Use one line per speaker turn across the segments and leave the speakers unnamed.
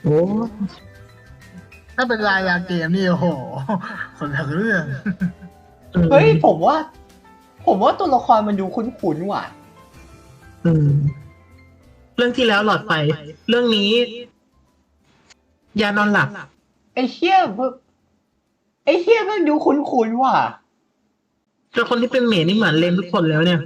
โอ้
ถ้าเป็นรายการเกมนี่โอ้โหคนละเรื่อง
เฮ้ยผมว่าตัวละครมันดูคุ้นๆว่ะ
อืมเรื่องที่แล้วหลอดไฟเรื่องนี้ยานอนหลับ
ไอ้เหี้ยไอ้เหี้ยมันดูคุ้นๆว่ะ
แต่คนที่เป็นเมดนี่เหมือนเลมทุกคนแล้วเนี่ย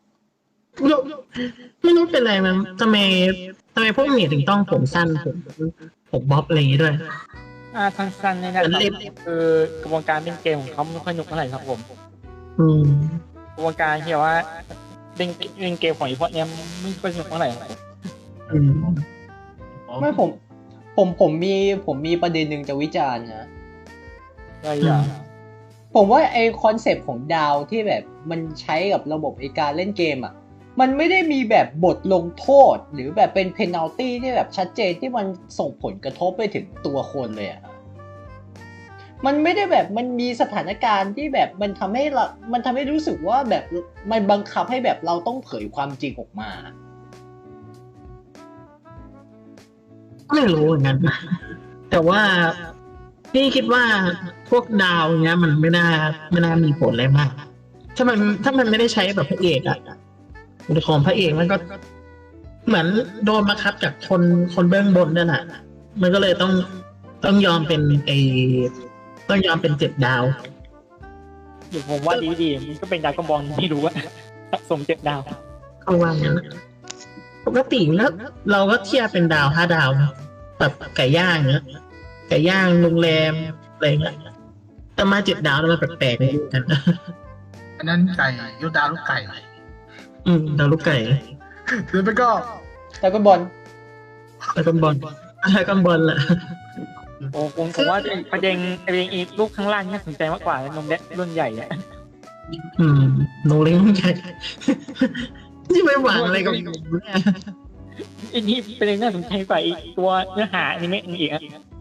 ไม่รู้เป็นอะไรมันทำไมพวกเมดถึงต้องผมสั้นผมบ๊อบอะไรอย่างงี้ด้วย
สั้นๆนี่นะครับคือกระบวนการเล่นเกมของเขาไม่ค่อยหนุกเท่าไหร่ครับผม
อืม
กระบวนการที่ว่าเล่นเกมของอีพวกเนี้ยไม่ค่อยสนุกเท่าไหร่ครับ
อืม
ไม่ผมมีประเด็นหนึ่งจะวิจารณ์นะ
อะไรอย่าง
ผมว่าไอคอนเซปต์ของดาวที่แบบมันใช้กับระบบไอการเล่นเกมอ่ะมันไม่ได้มีแบบบทลงโทษหรือแบบเป็นเพนัลตี้ที่แบบชัดเจนที่มันส่งผลกระทบไปถึงตัวคนเลยอ่ะมันไม่ได้แบบมันมีสถานการณ์ที่แบบมันทำให้รู้สึกว่าแบบมันบังคับให้แบบเราต้องเผยความจริงออกมา
ไม่รู้เหมือนกันแต่ว่าพี่คิดว่าพวกดาวเนี้ยมันไม่น่ามีผลอะไรมากถ้ามันไม่ได้ใช้แบบพระเอกอะของพระเอกมันก็เหมือนโดนบังคับจากคนเบื้องบนนั่นแหละมันก็เลยต้องยอมเป็นต้องยอมเป็น7 ดาว
อยู่ผมว่าดีๆมันก็เป็นดาวกระบองที่รู้ว่าสะสม7 ดาว
เขาว่างั้นปกติแล้วเราก็เทียบเป็นดาว 5 ดาวนะแบบไก่ย่างเนี้ยไก่ย่างโรงแรมอะไรเงี้ยแต่มา7 ดาวแล้วมันแปลกๆไม่รู้กัน
อันนั้นไก่ยศดาวลูกไก่
ดาวลูกไก่
หรือไม่ก็
แล้วก็บอล
แล้วก็บอลแล้วก็บอลแหละ
โอ้ผมว่าประเด็นอีลูกข้างล่างน่าสนใจมากกว่านมเล็กรุ่นใหญ่เนี่ย
โนเล้งใหญ่นี่ไม่หวังอะไรกับผมเนี่ย
อันนี้ประเด็นน่าสนใจกว่าอีกตัวเนื้อหาอนิเมะอีกอ่ะ